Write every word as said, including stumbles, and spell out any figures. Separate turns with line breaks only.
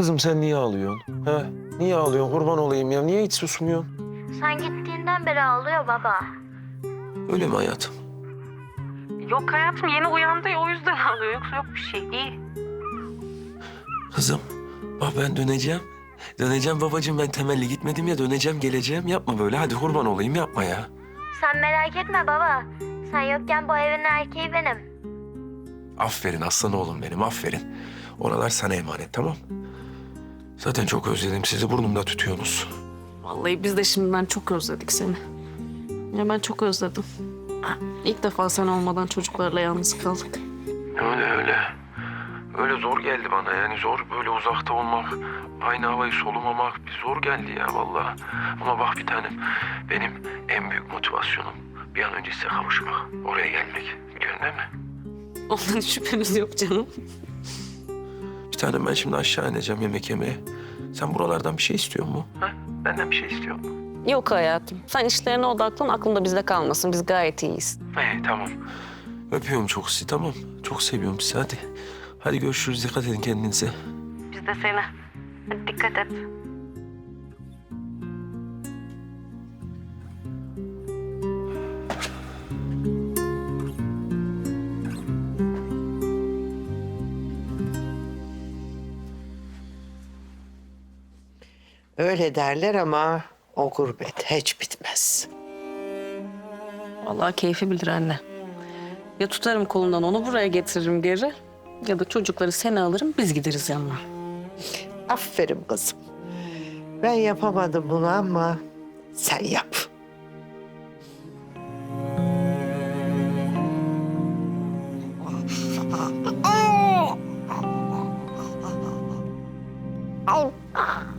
Kızım sen niye ağlıyorsun? He? Niye ağlıyorsun? Kurban olayım ya. Niye hiç susmuyorsun?
Sen gittiğinden beri ağlıyor baba.
Öyle mi hayatım?
Yok hayatım, yeni uyandı ya, o yüzden ağlıyor. Yoksa yok bir şey, iyi.
Kızım bak ben döneceğim. Döneceğim babacığım, ben temelli gitmedim ya, döneceğim geleceğim. Yapma böyle, hadi kurban olayım, yapma ya.
Sen merak etme baba. Sen yokken bu evin erkeği benim.
Aferin aslan oğlum benim, aferin. Oralar sana emanet, tamam. Zaten çok özledim sizi, burnumda tutuyorsunuz.
Vallahi biz de şimdiden çok özledik seni. Ya ben çok özledim. İlk defa sen olmadan çocuklarla yalnız kaldık.
Öyle öyle. Öyle zor geldi bana yani, zor böyle uzakta olmak, aynı havayı solumamak bir zor geldi ya vallahi. Ama bak bir tanem, benim en büyük motivasyonum bir an önce size kavuşmak, oraya gelmek. Biliyorsun değil mi?
Ondan şüphemiz yok canım.
Bir tanem ben şimdi aşağı ineceğim yemek yemeye. Sen buralardan bir şey istiyor musun? Ha? Benden bir şey istiyor musun?
Yok hayatım. Sen işlerine odaklan, aklında bizde kalmasın. Biz gayet iyiyiz.
İyi tamam. Öpüyorum çok sizi, tamam. Çok seviyorum sizi, hadi. Hadi görüşürüz, dikkat edin kendinize.
Biz de seni. Hadi dikkat et.
Öyle derler ama o gurbet hiç bitmez.
Vallahi keyfi bilir anne. Ya tutarım kolundan onu buraya getiririm geri. Ya da çocukları seni alırım, biz gideriz yanına.
Aferin kızım. Ben yapamadım bunu ama sen yap.
Ay.